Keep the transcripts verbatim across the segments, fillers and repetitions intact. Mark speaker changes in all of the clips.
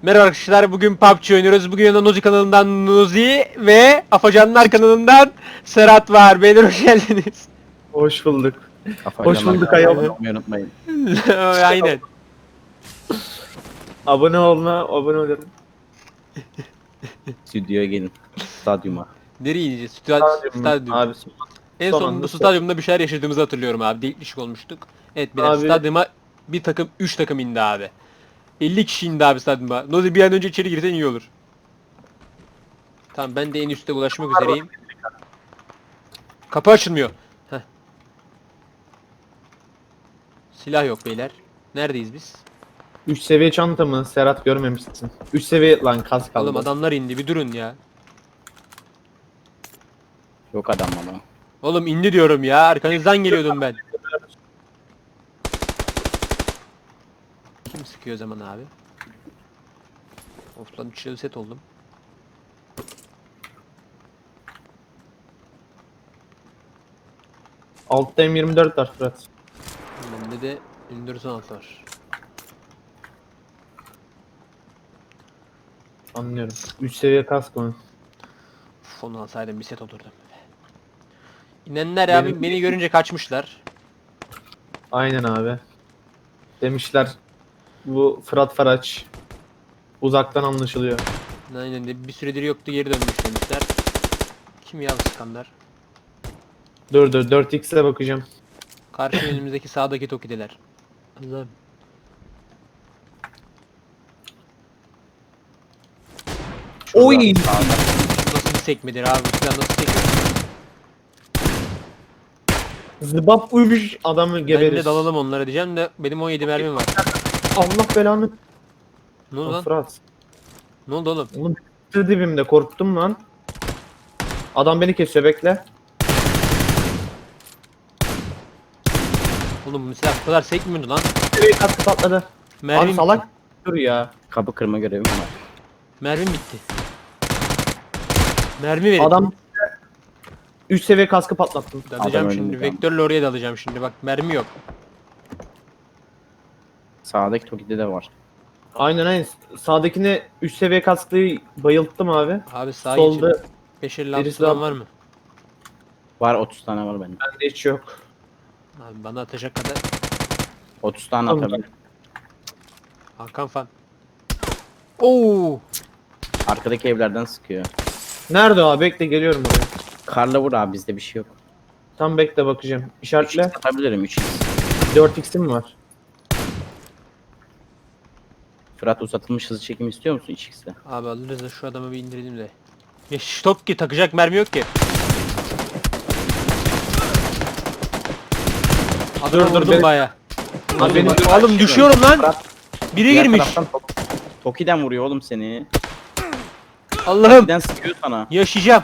Speaker 1: Merhaba arkadaşlar, bugün P U B G oynuyoruz. Bugün yanında Nozi kanalından Nozi ve Afacanlar kanalından Serhat var. Beyler hoş geldiniz.
Speaker 2: Hoş bulduk.
Speaker 3: Afacanlar
Speaker 2: Hoş bulduk
Speaker 3: kanalına
Speaker 2: ayol.
Speaker 3: abone olmayı unutmayın.
Speaker 1: Aynen.
Speaker 2: Abone olma, abone olun.
Speaker 3: Stüdyoya gelin. Stadyuma.
Speaker 1: Nereye ineceğiz? Stadyum. Stadyum.
Speaker 2: Abi
Speaker 1: En
Speaker 2: son
Speaker 1: son
Speaker 2: anda
Speaker 1: bu stadyumda bir şeyler yaşadığımızı hatırlıyorum abi. Delik dişik olmuştuk. Evet biraz
Speaker 2: Abi-
Speaker 1: stadyuma bir takım üç takım indi abi. elli kişi indi abi stadyuma. Nozi bir an önce içeri girsen iyi olur. Tamam ben de en üstte ulaşmak üzereyim. Kapı açılmıyor. Heh. Silah yok beyler. Neredeyiz biz?
Speaker 2: üç seviye çanta mı? Serhat görmemişsin. üç seviye lan kas kaldı.
Speaker 1: Oğlum adamlar indi bir durun ya.
Speaker 3: Yok adam ama.
Speaker 1: Oğlum indi diyorum ya. Arkanızdan geliyordum ben. Kim sıkıyor o zaman abi? Of lan üçlü set oldum.
Speaker 2: Altta M yirmi dört var Fırat.
Speaker 1: Bende de M dört on altı var.
Speaker 2: Anlıyorum. üç seviye kask mı?
Speaker 1: Uf, onu alsaydım bir set olurdu. İnenler
Speaker 2: Benim-
Speaker 1: abi beni görünce kaçmışlar.
Speaker 2: Aynen abi. Demişler bu Fırat Faraç. Uzaktan anlaşılıyor.
Speaker 1: Aynen de bir süredir yoktu geri dönmüş demişler. Kim ya bu sıkanlar?
Speaker 2: Dur dur dört x'e bakacağım.
Speaker 1: Karşı önümüzdeki sağdaki Toki'deler. Allah'ım.
Speaker 2: Oy!
Speaker 1: Nasıl bir sekmedir abi? Bu silah nasıl sekmedir?
Speaker 2: Zıbap uymuş adamı
Speaker 1: Ben
Speaker 2: geberir.
Speaker 1: de dalalım onlara diyeceğim de benim on yedi mermim var.
Speaker 2: Allah belanı.
Speaker 1: Ne oldu
Speaker 2: Lan
Speaker 1: lan?
Speaker 2: Fırat.
Speaker 1: Ne oldu oğlum?
Speaker 2: Oğlum bir dibimde korktum lan. Adam beni kesiyor bekle.
Speaker 1: Oğlum bu silah bu kadar sekmiyordu lan.
Speaker 2: Seviye kaskı patladı.
Speaker 1: Mermim,
Speaker 2: Abi salak. Dur ya.
Speaker 3: Kapı kırma görevim var.
Speaker 1: mermim bitti. Mermi verin.
Speaker 2: Adam üç seviye kaskı patlattım.
Speaker 1: Dalacağım
Speaker 3: Adam
Speaker 1: şimdi.
Speaker 3: öldü.
Speaker 1: Vektörle oraya dalacağım şimdi. Bak mermi yok.
Speaker 3: Sağdaki Toki'de de var.
Speaker 2: Aynen aynen. Sağdakine üç seviye kasklıyı bayılttım abi.
Speaker 1: Abi sağa
Speaker 2: Solda
Speaker 1: geçin. beş elli altı
Speaker 2: birisi
Speaker 1: falan
Speaker 2: daha-
Speaker 1: var mı?
Speaker 3: Var otuz tane var benim.
Speaker 2: bende hiç yok.
Speaker 1: Abi bana atacak kadar.
Speaker 3: otuz tane
Speaker 2: Tamam.
Speaker 3: atabilirim.
Speaker 1: Hakan fan. Oo!
Speaker 3: Arkadaki evlerden sıkıyor.
Speaker 2: Nerede o abi? Bekle geliyorum oraya.
Speaker 3: Karla vur abi, bizde bir şey yok.
Speaker 2: Tam bekle bakacağım.
Speaker 3: üç x
Speaker 2: İşaretle.
Speaker 3: atabilirim üç x.
Speaker 2: dört x'im var.
Speaker 3: Fırat uzatılmış hızlı çekim istiyor musun üç x'te?
Speaker 1: Abi alırız da şu adamı bir indirelim de. Ya stop ki takacak mermi yok ki. Adamı
Speaker 2: Dur, dur,
Speaker 1: vurdum
Speaker 2: ben-
Speaker 1: baya.
Speaker 2: Abi benim
Speaker 1: Oğlum düşüyorum lan.
Speaker 3: Fırat
Speaker 1: Biri
Speaker 3: diğer
Speaker 1: girmiş.
Speaker 3: taraftan Tok- Toki'den vuruyor oğlum seni.
Speaker 1: Allah'ım.
Speaker 3: Toki'den sıkıyor sana.
Speaker 1: Yaşayacağım.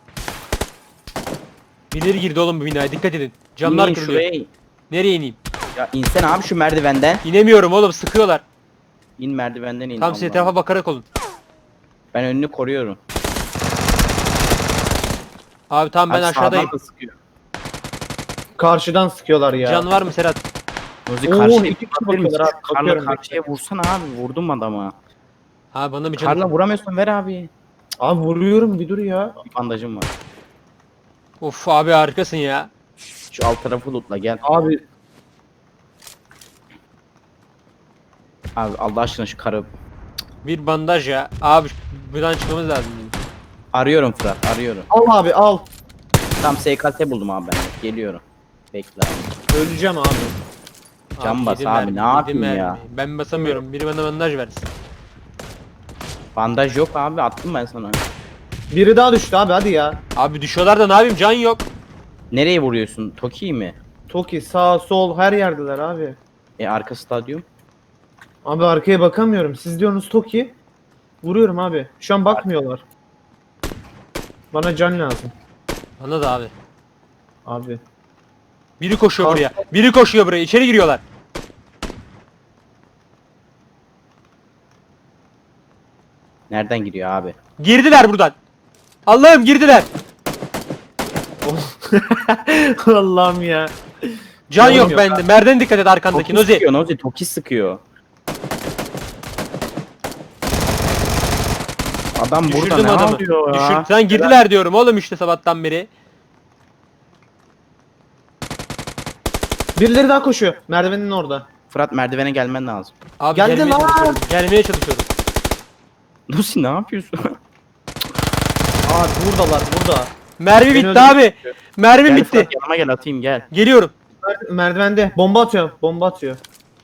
Speaker 1: Birileri girdi oğlum bu binaya dikkat edin. Camlar
Speaker 3: İnin
Speaker 1: kırılıyor.
Speaker 3: şuraya.
Speaker 1: Nereye ineyim?
Speaker 3: Ya insene abi şu merdivenden.
Speaker 1: İnemiyorum oğlum sıkıyorlar.
Speaker 3: İn merdivenden in.
Speaker 1: Tam siz
Speaker 3: Allah'ım.
Speaker 1: etrafa bakarak olun.
Speaker 3: Ben önünü koruyorum.
Speaker 1: Abi tamam ben
Speaker 3: Abi
Speaker 1: aşağıdayım.
Speaker 3: sağdan da sıkıyor.
Speaker 2: karşıdan sıkıyorlar ya.
Speaker 1: Can var mı Serhat?
Speaker 3: Nozi
Speaker 2: Oo,
Speaker 3: karşıya
Speaker 2: iki kişi
Speaker 3: bakabilir misin?
Speaker 2: bakıyorlar abi,
Speaker 3: Şu Karla
Speaker 2: bakıyorum.
Speaker 3: karşıya vursana abi. Vurdum adama.
Speaker 1: Ha bana bir can.
Speaker 3: Karla vuramıyorsun, ver abi.
Speaker 2: Abi vuruyorum bir dur ya.
Speaker 3: Bir bandajım var.
Speaker 1: Of abi harikasın ya.
Speaker 3: Şu alt tarafı lootla gel.
Speaker 2: Abi
Speaker 3: Abi Allah aşkına şu karı.
Speaker 1: Bir bandaj ya. Abi buradan çıkmamız lazım.
Speaker 3: Arıyorum Fırat, arıyorum.
Speaker 2: al abi al.
Speaker 3: Tam S K T buldum abi ben. Geliyorum. Bekle abi.
Speaker 2: Öleceğim abi.
Speaker 3: Can bas
Speaker 1: yedi
Speaker 3: abi,
Speaker 1: mermi,
Speaker 3: ne
Speaker 1: yedi
Speaker 3: yapayım
Speaker 1: mermi.
Speaker 3: ya?
Speaker 1: Ben basamıyorum. Biri bana bandaj versin.
Speaker 3: Bandaj yok abi, attım ben sana.
Speaker 2: Biri daha düştü abi hadi ya.
Speaker 1: Abi düşüyorlar da ne yapayım can yok.
Speaker 3: Nereye vuruyorsun? Toki mi?
Speaker 2: Toki sağ sol her yerdeler abi.
Speaker 3: E arka stadyum.
Speaker 2: Abi arkaya bakamıyorum. Siz diyorsunuz Toki. Vuruyorum abi. Şu an bakmıyorlar. Bana can lazım.
Speaker 1: Bana da abi.
Speaker 2: Abi.
Speaker 1: Biri koşuyor
Speaker 2: Kalk.
Speaker 1: buraya. Biri koşuyor buraya. İçeri giriyorlar.
Speaker 3: Nereden giriyor abi?
Speaker 1: Girdiler buradan. Allah'ım girdiler.
Speaker 2: Allah'ım ya.
Speaker 1: Can
Speaker 2: Canım
Speaker 1: yok
Speaker 2: yok
Speaker 1: bende. Merden dikkat et arkandaki
Speaker 3: Toki
Speaker 1: Nozi.
Speaker 3: sıkıyor Nozi, Toki sıkıyor. Adam burada
Speaker 1: Düşürdüm
Speaker 3: ne
Speaker 1: adamı.
Speaker 3: yapıyor ya?
Speaker 1: Düşür. Sen girdiler diyorum oğlum işte sabahtan beri.
Speaker 2: Birileri daha koşuyor. Merdivenin orada.
Speaker 3: Fırat merdivene gelmen lazım.
Speaker 1: Abi
Speaker 2: Geldi
Speaker 1: gelmeye
Speaker 2: lan.
Speaker 1: çalışıyorum. Gelmeye çalışıyorum.
Speaker 3: Lucy ne yapıyorsun?
Speaker 2: Aa buradalar burada.
Speaker 1: Mermi
Speaker 2: Beni
Speaker 1: bitti
Speaker 2: öldürdü.
Speaker 1: abi. Mermi
Speaker 3: Gel
Speaker 1: bitti.
Speaker 3: Fırat yanıma gel atayım gel.
Speaker 1: Geliyorum.
Speaker 2: Mer- Merdivende. Bomba atıyor. Bomba atıyor.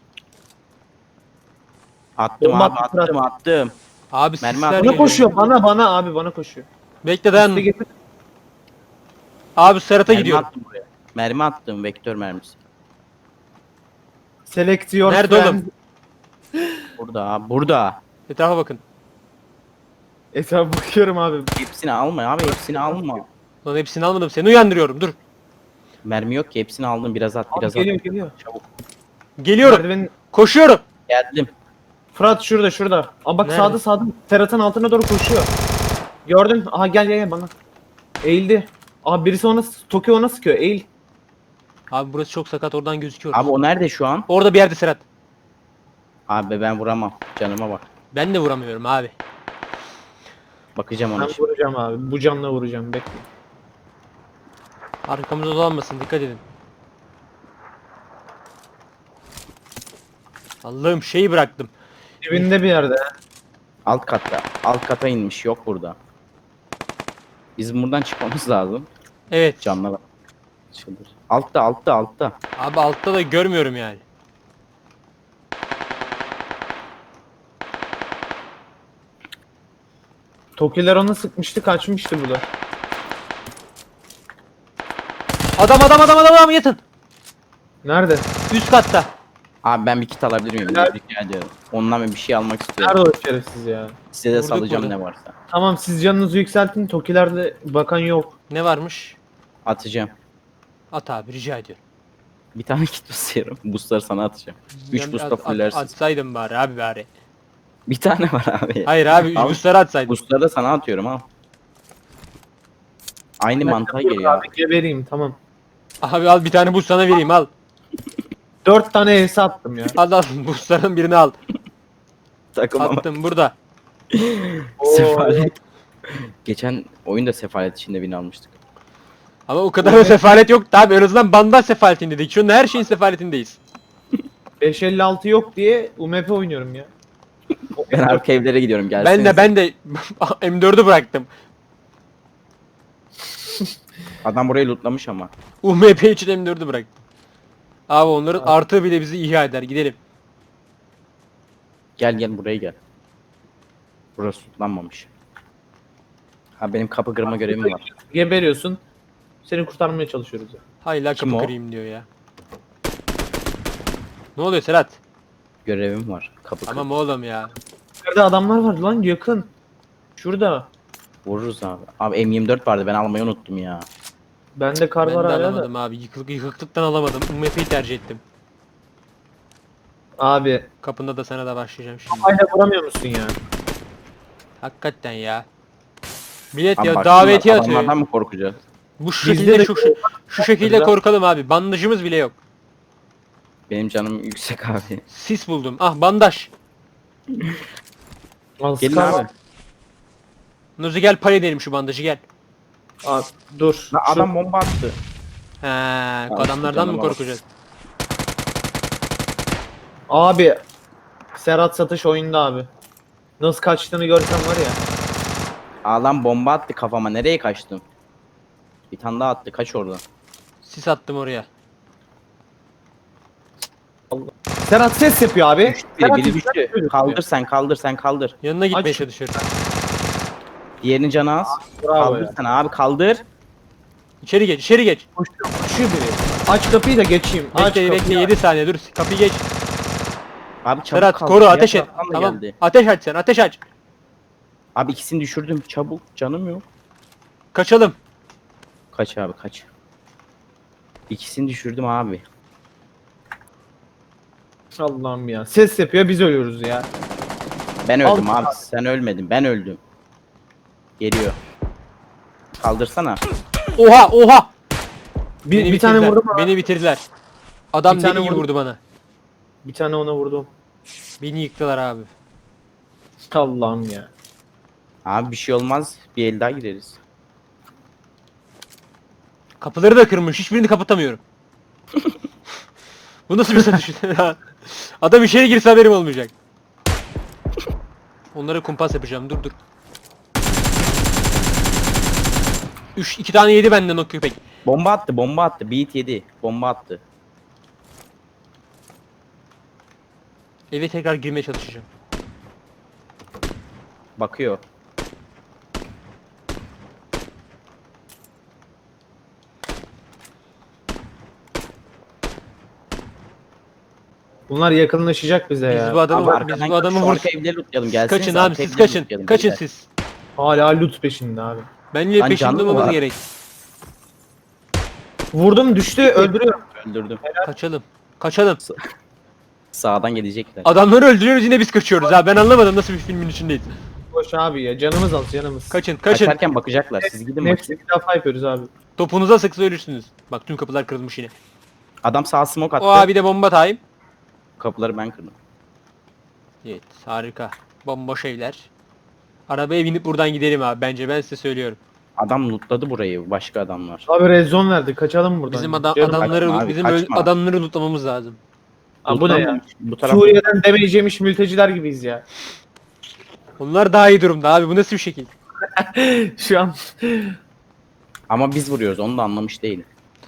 Speaker 3: Attım
Speaker 2: Bomba
Speaker 3: abi
Speaker 2: attı Fırat.
Speaker 3: attım attım.
Speaker 1: Abi
Speaker 3: Mermi
Speaker 1: sisler
Speaker 3: atıyor.
Speaker 2: Bana
Speaker 1: geliyor.
Speaker 2: koşuyor. Bana bana abi bana koşuyor.
Speaker 1: Bekle dayan.
Speaker 2: Üste getir.
Speaker 1: Abi Serhat'a
Speaker 3: Mermi
Speaker 1: gidiyorum.
Speaker 3: attım buraya. Mermi attım vektör mermisi.
Speaker 2: Select your
Speaker 1: Nerede
Speaker 2: friends.
Speaker 1: oğlum?
Speaker 3: Burada abi burada.
Speaker 1: Etrafa bakın.
Speaker 2: Etrafa bakıyorum abi.
Speaker 3: Hepsini alma abi hepsini alma.
Speaker 1: Lan hepsini almadım. Seni uyandırıyorum. Dur.
Speaker 3: Mermi yok ki hepsini aldım biraz at
Speaker 2: Abi
Speaker 3: biraz
Speaker 2: geliyor
Speaker 3: at.
Speaker 2: geliyor.
Speaker 3: Çabuk.
Speaker 1: Geliyorum.
Speaker 2: Merdivenin...
Speaker 1: Koşuyorum.
Speaker 3: Geldim.
Speaker 2: Fırat şurada şurada. Aa bak
Speaker 1: Nerede?
Speaker 2: sağda sağda. Ferhat'ın altına doğru koşuyor. Gördün? Aha gel gel gel bana. Eğildi. Abi birisi ona Tokyo ona sıkıyor. Eğil.
Speaker 1: Abi burası çok sakat. Oradan gözüküyor.
Speaker 3: Abi o nerede şu an?
Speaker 1: Orada bir yerde Serhat.
Speaker 3: Abi ben vuramam. Canıma bak.
Speaker 1: Ben de vuramıyorum abi.
Speaker 3: Bakacağım ona
Speaker 2: Ben
Speaker 3: şimdi.
Speaker 2: vuracağım abi. Bu canla vuracağım. Bekle.
Speaker 1: Arkamıza dolanmasın. Dikkat edin. Allah'ım şeyi bıraktım.
Speaker 2: Dibinde bir yerde.
Speaker 3: Alt katta. Alt kata inmiş yok burada. Bizim buradan çıkmamız lazım.
Speaker 1: Evet.
Speaker 3: Canla bak. Çıldır. Altta altta altta.
Speaker 1: Abi altta da görmüyorum yani.
Speaker 2: Tokiler ona sıkmıştı kaçmıştı bu da.
Speaker 1: Adam adam adam adam adam yatın.
Speaker 2: Nerede?
Speaker 1: Üst katta.
Speaker 3: Abi ben bir kit alabilir miyim?
Speaker 2: Nerede?
Speaker 3: Rica ediyorum. Ondan bir şey almak istiyorum.
Speaker 2: Nerede o şerefsiz ya?
Speaker 3: Size de
Speaker 1: Vurduk
Speaker 3: salacağım
Speaker 1: burada.
Speaker 3: ne varsa.
Speaker 2: Tamam siz canınızı yükseltin. Tokilerde bakan yok.
Speaker 1: Ne varmış?
Speaker 3: Atacağım.
Speaker 1: At abi rica ediyorum.
Speaker 3: Bir tane kit basıyorum. Boostları sana atacağım. üç
Speaker 1: Ben
Speaker 3: boosta
Speaker 1: at- at-
Speaker 3: fullersin.
Speaker 1: Atsaydım bari abi bari.
Speaker 3: Bir tane var abi.
Speaker 1: Hayır abi
Speaker 3: Al.
Speaker 1: boostları atsaydım.
Speaker 3: Boostları da sana atıyorum al. Aynı mantığa geliyor.
Speaker 2: Abi gebereyim tamam.
Speaker 1: Abi al bir tane boost sana vereyim al.
Speaker 2: Dört tane elsi attım ya.
Speaker 1: Al al boostların birini al.
Speaker 3: Takım ama
Speaker 1: Attım burada.
Speaker 3: sefalet. Geçen oyunda sefalet içinde bin almıştık.
Speaker 1: Ama o kadar da sefalet yok abi. En azından bandaj sefaletindeydik. Şu anda her şeyin sefaletindeyiz.
Speaker 2: beş elli altı yok diye U M P oynuyorum ya.
Speaker 3: Ben arka evlere gidiyorum
Speaker 1: Ben
Speaker 3: gelsenize.
Speaker 1: de ben de M dördü bıraktım.
Speaker 3: Adam burayı lootlamış ama.
Speaker 1: U M P için M dördü bıraktım. Abi onların artığı bile bizi ihya eder. Gidelim.
Speaker 3: Gel gel buraya gel. Burası lootlanmamış. Ha benim kapı kırma görevim var.
Speaker 2: Geberiyorsun. Seni kurtarmaya çalışıyoruz ya.
Speaker 1: Hayla
Speaker 3: Kim
Speaker 1: kapı
Speaker 3: o?
Speaker 1: kırayım diyor ya. Ne oluyor Serhat?
Speaker 3: Görevim var. Kapı kır.
Speaker 1: Tamam oğlum ya.
Speaker 2: Nerede adamlar var lan yakın. Şurada.
Speaker 3: Vururuz abi. Abi M yirmi dört vardı ben almayı unuttum ya.
Speaker 2: Bende kar
Speaker 1: Ben de
Speaker 2: var hala da.
Speaker 1: alamadım abi. Yıkık, yıkıklıktan alamadım. U M P'yi tercih ettim.
Speaker 2: Abi.
Speaker 1: Kapında da sana da başlayacağım şimdi.
Speaker 2: Hala vuramıyor musun ya?
Speaker 1: Hakikaten ya. Bilet
Speaker 3: Abi
Speaker 1: ya
Speaker 3: bak,
Speaker 1: davetiye
Speaker 3: adamlardan
Speaker 1: atıyor.
Speaker 3: mı korkacağız?
Speaker 1: Bu şu
Speaker 2: Bizde
Speaker 1: şekilde
Speaker 2: de
Speaker 1: şu, şu, şu şekilde
Speaker 2: Burada-
Speaker 1: korkalım abi. Bandajımız bile yok.
Speaker 3: Benim canım yüksek abi.
Speaker 1: Sis buldum. Ah bandaj.
Speaker 2: Al
Speaker 3: Gelin
Speaker 2: Scar
Speaker 3: abi.
Speaker 2: var.
Speaker 1: Nuzi gel pay edelim şu bandajı gel.
Speaker 2: Abi, dur.
Speaker 3: Lan
Speaker 2: Şu-
Speaker 3: adam bomba attı.
Speaker 1: He,
Speaker 3: Abi,
Speaker 1: adamlardan mı
Speaker 3: canıma bak.
Speaker 1: korkacağız?
Speaker 2: Abi. Serhat satış oyunda abi. Nasıl kaçtığını görsen var ya.
Speaker 3: Adam bomba attı kafama. Nereye kaçtım? Bir tane daha attı. Kaç oradan?
Speaker 1: Sis attım oraya.
Speaker 2: Serhat ses yapıyor abi.
Speaker 3: Biri,
Speaker 2: Serhat
Speaker 3: biri
Speaker 2: ses
Speaker 3: düştü.
Speaker 2: yapıyor.
Speaker 3: Kaldır sen kaldır sen kaldır.
Speaker 1: Yanına gitmeye
Speaker 2: Aç.
Speaker 1: çalışıyorum.
Speaker 3: Diğerinin canı az.
Speaker 2: Bravo
Speaker 3: Kaldır
Speaker 2: ya.
Speaker 3: sen abi kaldır.
Speaker 1: İçeri geç, içeri geç.
Speaker 2: Koşuyor, koşuyor biri. Aç kapıyı da geçeyim. Aç
Speaker 1: Bekle,
Speaker 2: kapıyı.
Speaker 1: bekle yedi saniye dur. Kapıyı geç.
Speaker 3: Abi çabuk
Speaker 1: Serhat
Speaker 3: kaldır.
Speaker 1: koru,
Speaker 3: Diğer
Speaker 1: ateş et.
Speaker 3: taraftan da
Speaker 1: Tamam.
Speaker 3: geldi.
Speaker 1: Ateş aç sen, ateş aç.
Speaker 3: Abi ikisini düşürdüm. Çabuk canım yok.
Speaker 1: Kaçalım.
Speaker 3: Kaç abi kaç. İkisini düşürdüm abi.
Speaker 2: Allah'ım ya. Ses yapıyor biz ölüyoruz ya.
Speaker 3: Ben öldüm
Speaker 2: Al-
Speaker 3: abi. Sen ölmedin. Ben öldüm. Geliyor. Kaldırsana.
Speaker 1: Oha, oha.
Speaker 2: Bir,
Speaker 1: Beni
Speaker 2: bir tane
Speaker 1: bitirdiler,
Speaker 2: vurdum abi.
Speaker 1: Beni bitirdiler. Adam
Speaker 2: Bir tane
Speaker 1: deli gibi
Speaker 2: vurdum.
Speaker 1: vurdu bana.
Speaker 2: Bir tane ona vurdum.
Speaker 1: Beni yıktılar abi.
Speaker 2: Allah'ım ya.
Speaker 3: Abi bir şey olmaz. Bir el daha gireriz.
Speaker 1: Kapıları da kırmış. Hiçbirini kapatamıyorum. Bu nasıl bir satış? Adam içeri girse haberim olmayacak. Onlara kumpas yapacağım. Dur dur. Üç, iki tane yedi benden o köpek.
Speaker 3: Bomba attı, bomba attı. Beat yedi. Bomba attı.
Speaker 1: Eve tekrar girmeye çalışacağım.
Speaker 3: Bakıyor.
Speaker 2: Bunlar yakınlaşacak bize
Speaker 1: Biz
Speaker 2: ya.
Speaker 1: bu adamı,
Speaker 3: Abi
Speaker 1: biz
Speaker 3: arkadan
Speaker 1: bu adamı
Speaker 3: şu
Speaker 1: vur.
Speaker 3: arka evleri lootlayalım. Gelsiniz
Speaker 1: Kaçın abi
Speaker 3: arka
Speaker 1: siz
Speaker 3: evleri
Speaker 1: kaçın.
Speaker 3: lootlayalım,
Speaker 1: Kaçın
Speaker 3: beyler.
Speaker 1: siz.
Speaker 2: Hala loot peşinde abi.
Speaker 1: Bence
Speaker 3: Lan
Speaker 1: peşinde
Speaker 3: canlı mı
Speaker 1: olmamız
Speaker 3: var?
Speaker 1: gerek.
Speaker 2: Vurdum düştü öldürüyorum.
Speaker 3: Öldürdüm.
Speaker 1: Kaçalım. Kaçalım.
Speaker 3: Sağdan gelecekler.
Speaker 1: Adamları öldürüyoruz yine biz kaçıyoruz ha. Ben anlamadım nasıl bir filmin içindeyiz.
Speaker 2: Boş abi ya canımız az canımız.
Speaker 1: Kaçın kaçın.
Speaker 3: Kaçarken bakacaklar. Siz gidin bakın.
Speaker 2: Hepsi bir defa yapıyoruz abi.
Speaker 1: Topunuza sıksa ölürsünüz. Bak tüm kapılar kırılmış yine.
Speaker 3: Adam sağ smoke attı.
Speaker 1: O abi de bomba time.
Speaker 3: Kapıları ben kırdım.
Speaker 1: Evet harika. Bomboş evler. Arabaya binip buradan gidelim abi bence ben size söylüyorum.
Speaker 3: Adam lootladı burayı. Başka adamlar.
Speaker 2: Abi red zone verdi kaçalım buradan.
Speaker 1: Bizim adam,
Speaker 2: Canım-
Speaker 1: adamları
Speaker 3: kaçma abi,
Speaker 1: bizim öl-
Speaker 3: kaçma.
Speaker 1: adamları lootlamamız lazım.
Speaker 2: Abi bu ne ya?
Speaker 3: Lootlanmamış. Bu taraf.
Speaker 2: Suriye'den damage yemiş mülteciler gibiyiz ya.
Speaker 1: Onlar daha iyi durumda abi bu nasıl bir şekil?
Speaker 2: Şu an.
Speaker 3: Ama biz vuruyoruz. Onu da anlamış değilim.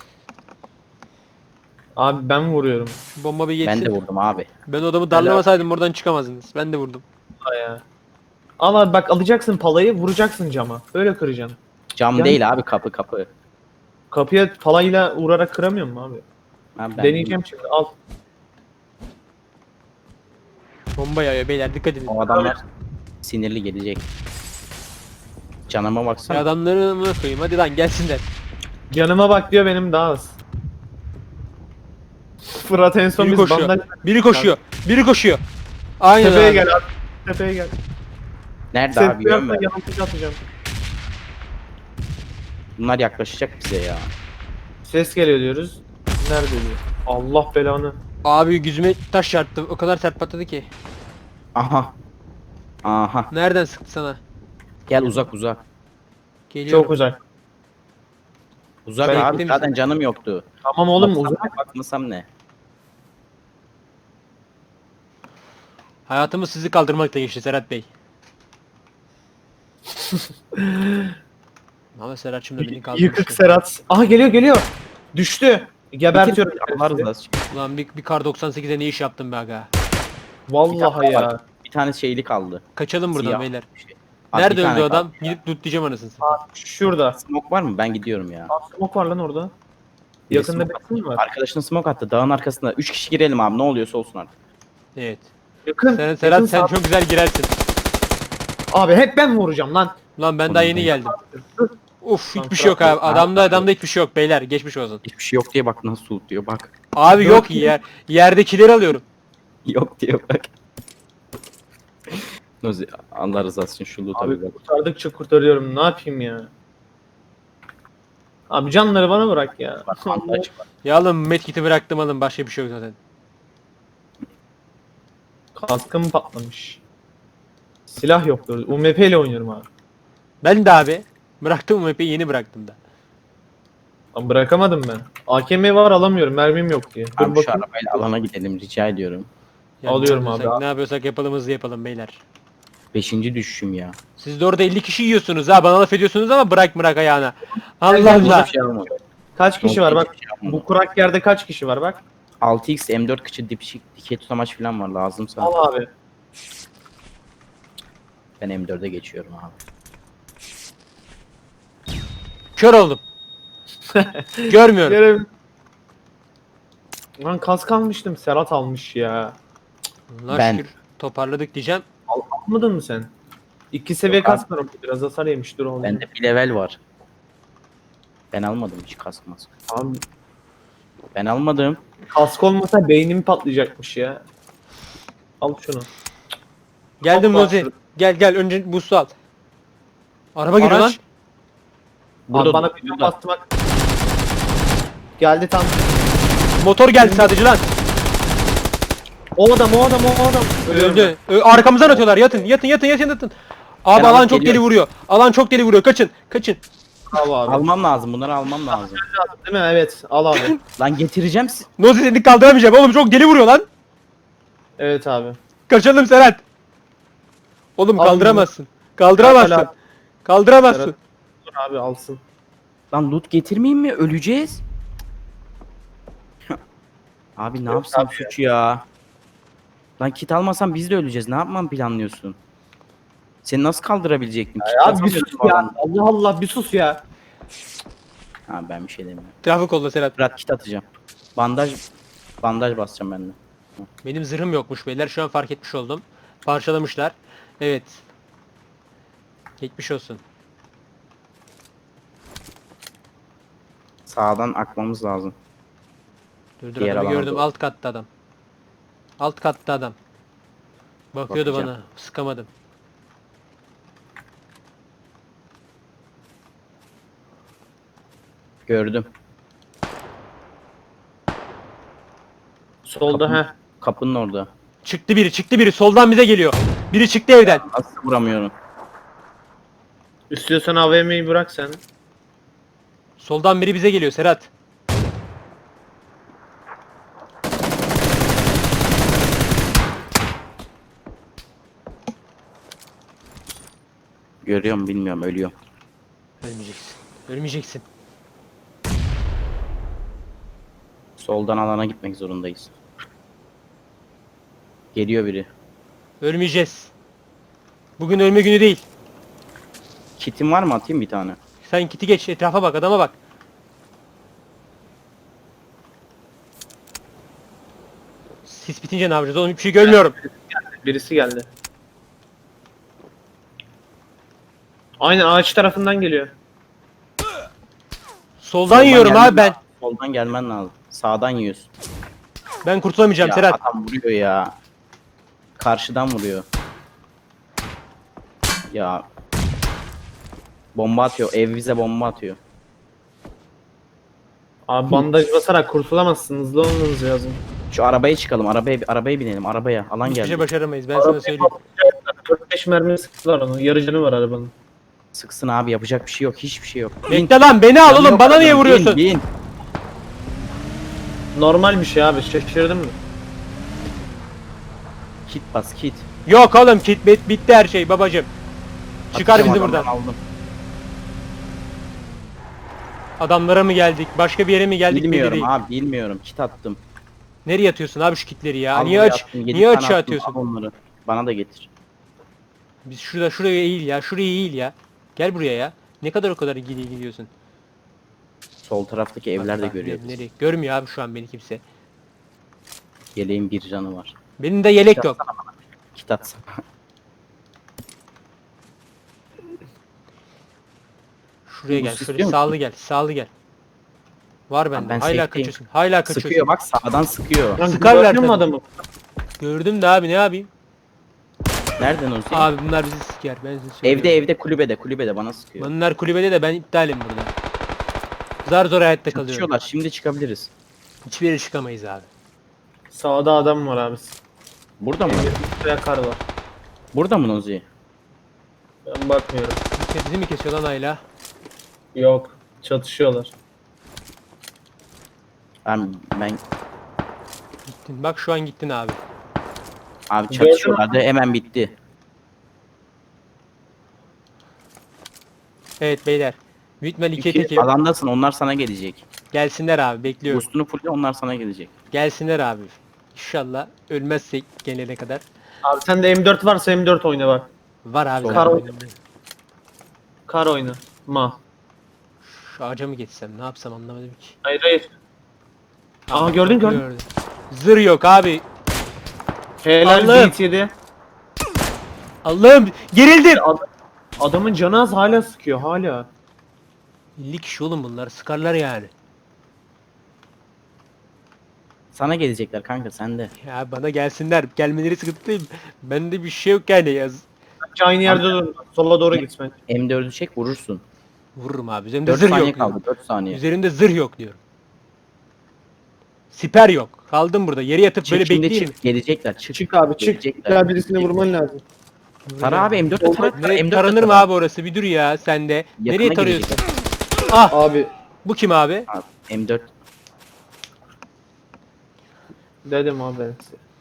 Speaker 2: Abi ben vuruyorum.
Speaker 1: Şu bomba bir geçsin.
Speaker 3: Ben de vurdum abi.
Speaker 1: Ben odamı darlamasaydım oradan çıkamazdınız. Ben de vurdum.
Speaker 2: Ha ya. Al abi bak alacaksın palayı vuracaksın cama. Öyle kıracaksın.
Speaker 3: Cam
Speaker 2: Yani-
Speaker 3: değil abi, kapı kapı.
Speaker 2: Kapıya palayla vurarak kıramıyor mu abi?
Speaker 3: Abi ben
Speaker 2: Deneyeceğim şimdi al.
Speaker 1: Bomba yağıyor beyler dikkat edin.
Speaker 3: O adamlar sinirli gelecek. Canıma
Speaker 1: Ya
Speaker 3: baksana.
Speaker 1: adamları mı koyayım hadi lan gelsinler.
Speaker 2: Yanıma bak diyor benim daha az. Fırat en son
Speaker 1: Biri
Speaker 2: biz
Speaker 1: koşuyor.
Speaker 2: bandaj...
Speaker 1: Biri koşuyor. Biri koşuyor. Aynen
Speaker 2: Tepeye
Speaker 1: abi.
Speaker 2: gel abi. Tepeye gel.
Speaker 3: Nerede
Speaker 2: Ses
Speaker 3: abi, görmüyor
Speaker 2: duyarsan
Speaker 3: musun?
Speaker 2: yanıltıcı atacağım.
Speaker 3: Bunlar yaklaşacak bize ya.
Speaker 2: Ses geliyor diyoruz. Nerede diyor. Allah belanı.
Speaker 1: Abi yüzüme taş çarptı. O kadar sert patladı ki.
Speaker 3: Aha. Aha.
Speaker 1: Nereden sıktı sana?
Speaker 3: Gel uzak uzak.
Speaker 1: Geliyorum.
Speaker 2: Çok uzak.
Speaker 3: Uzak
Speaker 2: Ben
Speaker 3: abi,
Speaker 1: eklemiştim.
Speaker 3: zaten canım yoktu.
Speaker 2: Tamam oğlum
Speaker 3: Baksam
Speaker 2: uzak.
Speaker 3: ne, bakmasam ne?
Speaker 1: Hayatımız sizi kaldırmakla geçti Serhat Bey. Ama Serhat şimdi beni kaldırmıştı.
Speaker 2: Yıkık Serhat. Aha geliyor geliyor. Düştü. Gebertiyorum.
Speaker 3: Allah rızası için.
Speaker 1: Ulan bir, bir kar doksan sekize ne iş yaptım be aga.
Speaker 2: Vallahi ya.
Speaker 3: Bir tane şeyli kaldı.
Speaker 1: Kaçalım buradan
Speaker 3: Siyah
Speaker 1: beyler.
Speaker 3: bir şey. Abi
Speaker 1: Nerede
Speaker 3: bir tane
Speaker 1: öldü adam?
Speaker 3: kaldı.
Speaker 1: Gidip lootlayacağım anasını satayım.
Speaker 2: Şurada.
Speaker 3: Smoke var mı? Ben gidiyorum ya.
Speaker 2: Aa, smoke var lan orada.
Speaker 3: Bir de
Speaker 2: Yakında
Speaker 3: smoke
Speaker 2: birisi mi var?
Speaker 3: Arkadaşına smoke attı. Dağın arkasında. Üç kişi girelim abi. Ne oluyorsa olsun artık.
Speaker 1: Evet.
Speaker 2: Yakın.
Speaker 1: Serhat,
Speaker 2: yakın
Speaker 1: Serhat sen
Speaker 2: sağ-
Speaker 1: çok güzel girersin.
Speaker 2: Abi hep ben vuracağım lan.
Speaker 1: Lan ben daha yeni geldim. Uf
Speaker 2: Tamam,
Speaker 1: hiçbir şey yok abi.
Speaker 2: bırak.
Speaker 1: Adamda adamda hiçbir şey yok beyler. Geçmiş olsun.
Speaker 3: Hiçbir şey yok diye bak nasıl loot diyor bak.
Speaker 1: Abi yok yer. Yerdekileri alıyorum.
Speaker 3: Yok diye bak. Nozi Allah rızası için şu loot'a bir
Speaker 2: Abi
Speaker 3: bak.
Speaker 2: kurtardıkça kurtarıyorum. Ne yapayım ya? Abi canları bana bırak ya.
Speaker 3: Bandaj var.
Speaker 1: Ya alın medkit'i bıraktım alın. Başka bir şey yok zaten.
Speaker 2: Kaskım patlamış. Silah yoktu. U M P ile oynuyorum abi.
Speaker 1: Ben de abi. Bıraktım U M P'yi yeni bıraktım da.
Speaker 2: Ama bırakamadım ben. A K M var alamıyorum. Mermim yok diye. Dur
Speaker 3: Abi şu
Speaker 2: bakayım.
Speaker 3: arabayla alana gidelim rica ediyorum.
Speaker 2: Alıyorum
Speaker 1: ne
Speaker 2: abi.
Speaker 1: yapıyorsak- Ne yapıyorsak yapalım hızlı yapalım beyler.
Speaker 3: Beşinci düşüşüm ya.
Speaker 1: Siz de orada elli kişi yiyorsunuz ha. Bana laf ediyorsunuz ama bırak bırak ayağına. Allah
Speaker 2: gel,
Speaker 1: Allah.
Speaker 3: Hiçbir şey almadım.
Speaker 2: Kaç kişi var bak.
Speaker 3: Hiçbir şey almadım.
Speaker 2: Bu kurak yerde kaç kişi var bak.
Speaker 3: altı x M dört kıçı dipşik dikey tutamaç falan var lazımsa.
Speaker 2: Al abi.
Speaker 3: Ben M dörde geçiyorum abi.
Speaker 1: Kör oldum. Görmüyorum.
Speaker 2: Görev. Lan kask almıştım. Serhat almış ya.
Speaker 1: Allah
Speaker 3: Ben-
Speaker 1: şükür toparladık diyeceğim.
Speaker 2: Al, almadın mı sen? İki seviye
Speaker 3: Yok abi.
Speaker 2: kask var orada. Biraz hasar yemiş dur oğlum.
Speaker 3: Bende bir level var. Ben almadım hiç kask mask.
Speaker 2: Abi
Speaker 3: Ben almadım.
Speaker 2: kask olmasa beynim patlayacakmış ya. Al şunu.
Speaker 1: Geldim
Speaker 2: Hoppa.
Speaker 1: Nozi. Gel gel önce boostu al. Araba geliyor lan.
Speaker 2: Araç.
Speaker 3: Burada
Speaker 2: Abi bana
Speaker 3: dur,
Speaker 2: bir
Speaker 3: burada.
Speaker 2: bastım bak. Geldi tam.
Speaker 1: Motor geldi sadece lan.
Speaker 2: O adam o adam o adam. Ölüyorum
Speaker 1: Öldü. Ö- arkamızdan atıyorlar. Yatın yatın yatın yatın yatın. Abi
Speaker 3: Ben
Speaker 1: alan
Speaker 3: alıp
Speaker 1: çok deli
Speaker 3: geliyorum.
Speaker 1: vuruyor. Alan çok deli vuruyor. Kaçın. Kaçın.
Speaker 2: Al abi.
Speaker 3: Almam lazım. Bunları almam lazım.
Speaker 2: Değil mi? Evet. Al abi.
Speaker 3: Lan getireceğim. si-
Speaker 1: Nozi seni kaldıramayacağım oğlum, çok deli vuruyor lan.
Speaker 2: Evet abi.
Speaker 1: Kaçalım Serhat. Oğlum
Speaker 2: Al
Speaker 1: kaldıramazsın.
Speaker 2: Serhat
Speaker 1: Kaldıramazsın.
Speaker 2: abi.
Speaker 1: Kaldıramazsın.
Speaker 2: Serhat. Dur abi alsın.
Speaker 3: Lan loot getirmeyeyim mi? Öleceğiz. Abi ne
Speaker 2: Yok
Speaker 3: yapsam
Speaker 2: abi
Speaker 3: suç ya. Lan kit almasam biz de öleceğiz. Ne yapmam planlıyorsun? Seni nasıl kaldırabilecektim? Kit
Speaker 2: Ya abi bir
Speaker 3: atamıyorsun
Speaker 2: sus
Speaker 3: o
Speaker 2: ya.
Speaker 3: alanda.
Speaker 2: Allah Allah bir sus ya.
Speaker 3: Ha ben bir şey demiyorum.
Speaker 1: Trafik oldu Serhat.
Speaker 3: Fırat kit atacağım. Bandaj bandaj basacağım ben de.
Speaker 1: Benim zırhım yokmuş beyler. Şu an fark etmiş oldum. Parçalamışlar. Evet. Geçmiş olsun.
Speaker 3: Sağdan akmamız lazım.
Speaker 1: Dur dur,
Speaker 3: Diğer
Speaker 1: adamı
Speaker 3: alana
Speaker 1: gördüm.
Speaker 3: doğru.
Speaker 1: Alt katta adam. Alt katta adam. Bakıyordu
Speaker 3: Bakacağım.
Speaker 1: bana. Sıkamadım.
Speaker 3: Gördüm.
Speaker 2: Solda
Speaker 3: Kapı-
Speaker 2: he.
Speaker 3: Kapının orada.
Speaker 1: Çıktı biri. Çıktı biri. Soldan bize geliyor. Biri çıktı evden.
Speaker 3: Nasıl vuramıyorum?
Speaker 2: İstiyorsan A V M'yi bırak sen.
Speaker 1: Soldan biri bize geliyor Serhat.
Speaker 3: Görüyorum bilmiyorum ölüyorum.
Speaker 1: Ölmeyeceksin. Ölmeyeceksin.
Speaker 3: Soldan alana gitmek zorundayız. Geliyor biri.
Speaker 1: Ölmeyeceğiz. Bugün ölme günü değil.
Speaker 3: Kitim var mı atayım bir tane?
Speaker 1: Sen kiti geç. Etrafa bak. Adama bak. Sis bitince ne yapacağız oğlum? Hiçbir şey görmüyorum.
Speaker 2: Birisi geldi. Aynen ağaç tarafından geliyor.
Speaker 1: Soldan
Speaker 3: Soldan
Speaker 1: yiyorum
Speaker 3: gelmen
Speaker 1: abi ben.
Speaker 3: lazım. Soldan gelmen lazım. Sağdan yiyorsun.
Speaker 1: Ben kurtulamayacağım
Speaker 3: Ya
Speaker 1: Serhat.
Speaker 3: adam vuruyor ya. Karşıdan vuruyor. Ya. Bomba atıyor. Ev bize bomba atıyor.
Speaker 2: Abi bandaj basarak kurtulamazsın. Hızlı olmanız lazım.
Speaker 3: Şu arabaya çıkalım. Arabaya arabaya binelim. Arabaya. Alan
Speaker 1: Hiçbir şey
Speaker 3: geldi.
Speaker 1: başaramayız. Ben sana söyleyeyim.
Speaker 2: dört beş mermi sıktılar onu. Yarı canı var arabanın.
Speaker 3: Sıksın abi. Yapacak bir şey yok. Hiçbir şey yok. Bin.
Speaker 1: Bekle lan, beni al oğlum. Bana niye
Speaker 3: Bin,
Speaker 1: vuruyorsun?
Speaker 3: Bin.
Speaker 2: Normal bir şey abi. Şaşırdın mı?
Speaker 3: Kit bas kit.
Speaker 1: Yok oğlum, kit bit, bitti her şey babacım. Çıkar
Speaker 3: Atacağım
Speaker 1: bizi
Speaker 3: adamdan,
Speaker 1: buradan.
Speaker 3: Aldım.
Speaker 1: Adamlara mı geldik? Başka bir yere mi geldik? belli
Speaker 3: Bilmiyorum
Speaker 1: değil.
Speaker 3: abi bilmiyorum. Kit attım.
Speaker 1: Nereye atıyorsun abi şu kitleri ya?
Speaker 3: Al
Speaker 1: niye
Speaker 3: buraya
Speaker 1: aç
Speaker 3: attım, yedi
Speaker 1: niye
Speaker 3: tane
Speaker 1: açığa
Speaker 3: attım,
Speaker 1: atıyorsun?
Speaker 3: al onları. Bana da getir.
Speaker 1: Biz şurada şuraya eğil ya. Şuraya eğil ya. Gel buraya ya. Ne kadar o kadar gidiyor gidiyorsun?
Speaker 3: Sol taraftaki evler de
Speaker 1: Bak, bak,
Speaker 3: görüyor.
Speaker 1: nereye- nereye? Görmüyor abi şu an beni kimse.
Speaker 3: Yeleğin bir canı var.
Speaker 1: Benim de yelek yok.
Speaker 3: Kit atsana.
Speaker 1: Şuraya
Speaker 3: Bu
Speaker 1: gel.
Speaker 3: sis
Speaker 1: Şöyle
Speaker 3: diyor musun?
Speaker 1: sağlı gel. Sağlı gel. Var bende.
Speaker 3: ben
Speaker 1: Hala
Speaker 3: safe'teyim.
Speaker 1: kaçıyorsun. Hala kaçıyorsun.
Speaker 3: Sıkıyor bak sağdan sıkıyor.
Speaker 2: Lan
Speaker 1: Sıkarlar
Speaker 2: gördün mü
Speaker 1: tabii.
Speaker 2: adamı?
Speaker 1: Gördüm de abi, ne yapayım?
Speaker 3: Nereden o şey?
Speaker 1: Abi bunlar bizi siker. Ben size söylüyorum.
Speaker 3: Evde evde kulübede kulübede bana sıkıyor.
Speaker 1: Bunlar kulübede de ben iptalim burada. Zar zor hayatta kalıyorum.
Speaker 3: Çatışıyorlar şimdi çıkabiliriz.
Speaker 1: Hiçbir yere çıkamayız abi.
Speaker 2: Sağda adam var abi.
Speaker 3: Burada mı?
Speaker 2: Buraya kar var.
Speaker 3: Burada mı Nozi?
Speaker 2: Ben bakmıyorum.
Speaker 1: Bizi mi kesiyor lan Ayla?
Speaker 2: Yok. Çatışıyorlar.
Speaker 3: Ben ben
Speaker 1: Gittin. Bak şu an gittin abi.
Speaker 3: abi
Speaker 2: Gördün
Speaker 3: çatışıyorlardı hemen bitti.
Speaker 1: Evet beyler. Büyütmel ikiye
Speaker 3: İki,
Speaker 1: tekelim.
Speaker 3: alandasın onlar sana gelecek.
Speaker 1: Gelsinler abi, bekliyorum.
Speaker 3: Boostunu fulle onlar sana gelecek.
Speaker 1: Gelsinler abi. İnşallah ölmezsek gelene kadar.
Speaker 2: Abi sende M dört varsa M dört oyna bak.
Speaker 1: Var abi.
Speaker 3: Sol.
Speaker 1: zaten
Speaker 2: Kar-
Speaker 1: önümde.
Speaker 2: Kar oyna. Ma.
Speaker 1: Şu ağaca mı geçsem, ne yapsam anlamadım ki.
Speaker 2: Hayır hayır. Aa,
Speaker 1: Aa,
Speaker 2: gördün, gördün.
Speaker 1: gördüm. Zır yok abi.
Speaker 2: Helal
Speaker 1: Allah'ım.
Speaker 2: Beat yedi.
Speaker 1: Allah'ım gerildim.
Speaker 2: Ad- adamın canı az hala sıkıyor hala.
Speaker 1: elli kişi oğlum bunlar, sıkarlar yani.
Speaker 3: Sana gelecekler kanka sen de.
Speaker 1: Ya bana gelsinler. Gelmeleri sıkıntı değil. Bende bir şey yok yani yaz.
Speaker 2: Bence aynı yerde dur. Sola doğru git bence.
Speaker 3: M dördü çek vurursun.
Speaker 1: Vururum abi. Üzerimde
Speaker 3: dört
Speaker 1: zırh
Speaker 3: saniye
Speaker 1: yok.
Speaker 3: kaldı
Speaker 1: diyorum.
Speaker 3: dört saniye.
Speaker 1: Üzerimde zırh yok diyorum. Siper yok. Kaldım burada. Yere yatıp
Speaker 3: Çık
Speaker 1: böyle
Speaker 3: şimdi
Speaker 1: bekleyeyim.
Speaker 3: çık gelecekler çık.
Speaker 2: Çık abi çık.
Speaker 3: Gelecekler,
Speaker 2: İlla birisini
Speaker 3: gelecekler.
Speaker 2: vurman lazım.
Speaker 3: Tara abi M dörtte tara. tara,
Speaker 1: Ne,
Speaker 3: M dörtte
Speaker 1: taranır mı
Speaker 3: tara.
Speaker 1: abi orası? Bir dur ya sen de. Nereye
Speaker 3: Yakına
Speaker 1: tarıyorsun?
Speaker 3: gelecek.
Speaker 1: Ah
Speaker 2: Abi
Speaker 1: bu kim abi?
Speaker 3: Abi, M dört.
Speaker 2: dedim abi ben size.